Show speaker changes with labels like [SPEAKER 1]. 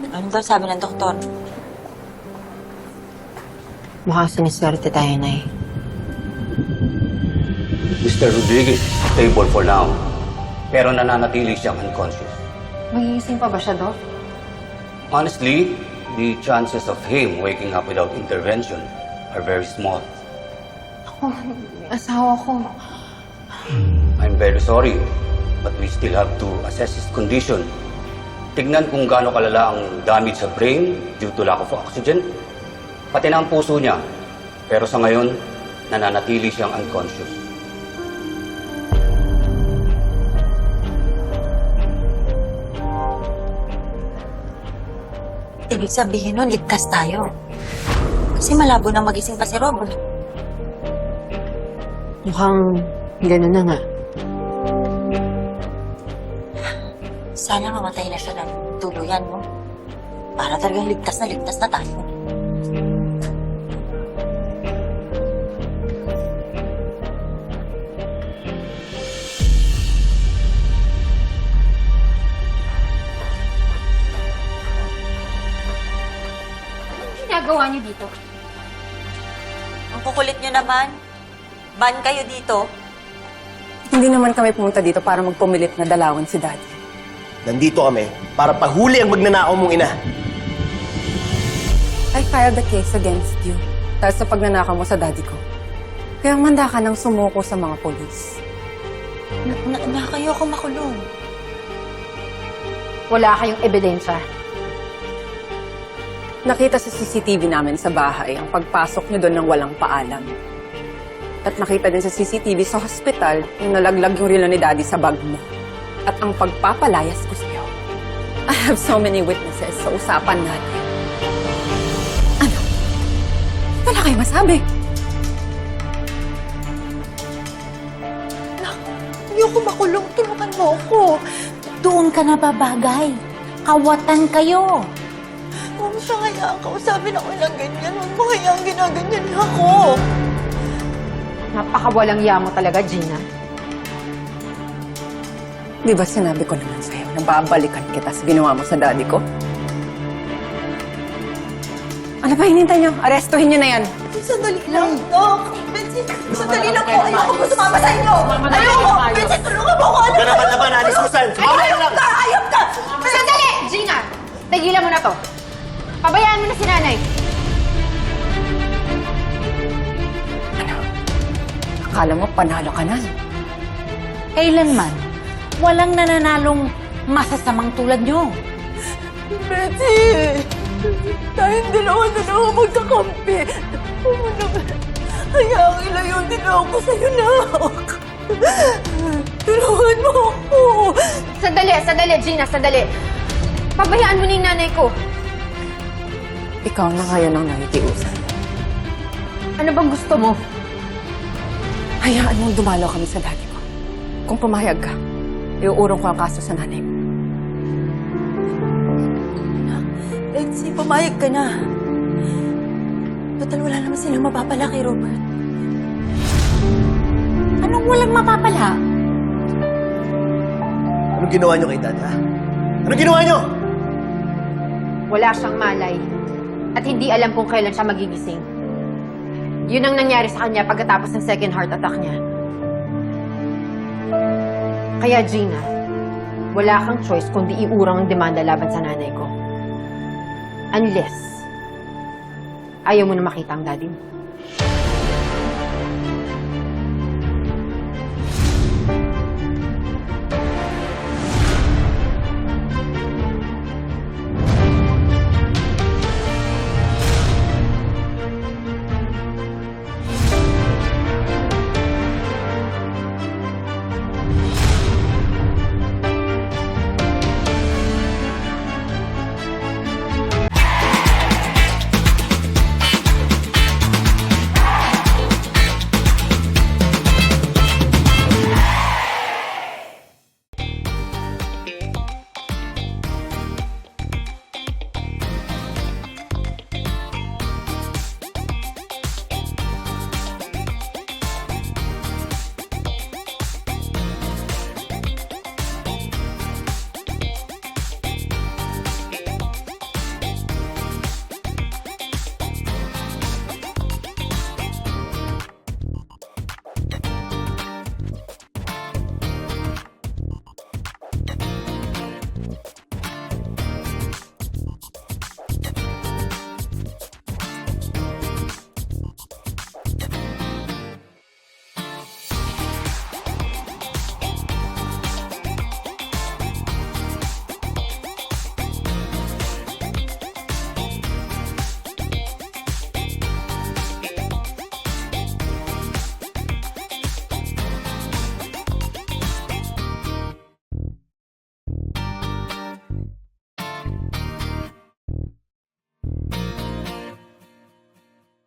[SPEAKER 1] Ano daw sabi ng doktor?
[SPEAKER 2] Mukhang siniswerte tayo, Nay.
[SPEAKER 3] Mr. Rodriguez, stable for now. Pero nananatili siyang unconscious.
[SPEAKER 4] Magigising pa ba siya, Doc?
[SPEAKER 3] Honestly, the chances of him waking up without intervention are very small.
[SPEAKER 4] Ako, asawa ko.
[SPEAKER 3] I'm very sorry, but we still have to assess his condition. Tignan kung gaano kalala ang damage sa brain due to lack of oxygen, pati na ang puso niya. Pero sa ngayon, nananatili siyang unconscious.
[SPEAKER 1] Ibig sabihin nun, ligtas tayo. Kasi malabo na magising pa si Robert.
[SPEAKER 2] Mukhang gano'n na nga.
[SPEAKER 1] Sana mamatay na siya ng tuluyan mo. Para talagang ligtas na tayo.
[SPEAKER 4] Ginagawa niyo dito?
[SPEAKER 1] Ang kukulit nyo naman. Ban kayo dito.
[SPEAKER 5] Hindi naman kami pumunta dito para magpumilit na dalawan si Daddy.
[SPEAKER 6] Nandito kami para pahuli ang magnanakaw mong ina.
[SPEAKER 5] I filed the case against you dahil sa pagnanakaw mo sa Daddy ko. Kaya manda ka nang sumuko sa mga polis.
[SPEAKER 1] Kayo ako makulong.
[SPEAKER 4] Wala kayong ebidensya.
[SPEAKER 5] Nakita sa CCTV namin sa bahay ang pagpasok niyo doon ng walang paalam. At nakita din sa CCTV sa hospital yung nalaglag yung relo ni Daddy sa bag mo. At ang pagpapalayas ko sa'yo. I have so many witnesses sa usapan natin. Ano? Wala kayo masabi.
[SPEAKER 1] Ayoko makulong. Tulungan mo ako. Doon ka na babagay. Kawatan kayo. Huwag mo siya hayaan. Kausapin ako lang ganyan. Huwag mo hayaan ginaganyan ako.
[SPEAKER 4] Napakawalang yamo talaga, Gina.
[SPEAKER 5] Di ba sinabi ko naman sa'yo na babalikan kita sa ginawa mo sa Daddy ko? Ano ba hinintay niyo? Arestuhin niyo na yan.
[SPEAKER 1] Sandali lang, Doc. Bensin, sandali lang po. Ayoko po sumama sa inyo. Ayoko. Bensin, tulungan mo ako. Ano
[SPEAKER 6] Huwag ka naman naman, Alice Susan! Sumama ka lang!
[SPEAKER 1] Ayop ka!
[SPEAKER 4] Sandali! Gina! Tigilan mo na to. Pabayaan mo na si nanay.
[SPEAKER 5] Akala mo panalo ka na.
[SPEAKER 7] Kailanman, walang nananalong masasamang tulad nyo.
[SPEAKER 1] Betsy! Tayong dalawa na lang ako magkakampi. Hayaan ilayo din ako sa'yo, Nak. Tulungan mo ako.
[SPEAKER 4] Sandali, Gina, sandali. Pabayaan mo na yung nanay ko.
[SPEAKER 5] Ikaw na kaya nang nakikiusan.
[SPEAKER 4] Ano bang gusto mo?
[SPEAKER 5] Hayaan mong dumalaw kami sa Daddy ko. Kung pumayag ka, iuurong ko ang kaso sa nanay mo.
[SPEAKER 1] Betsy, pumayag ka na. Total, wala naman silang mapapala kay Robert.
[SPEAKER 7] Anong walang mapapala?
[SPEAKER 6] Anong ginawa niyo kay Dad, ha? Anong ginawa niyo?
[SPEAKER 4] Wala siyang malay. At hindi alam kung kailan siya magigising. Yun ang nangyari sa kanya pagkatapos ng second heart attack niya. Kaya Gina, wala kang choice kundi iurang ang demanda laban sa nanay ko. Unless, ayaw mo na makita ang daddy mo.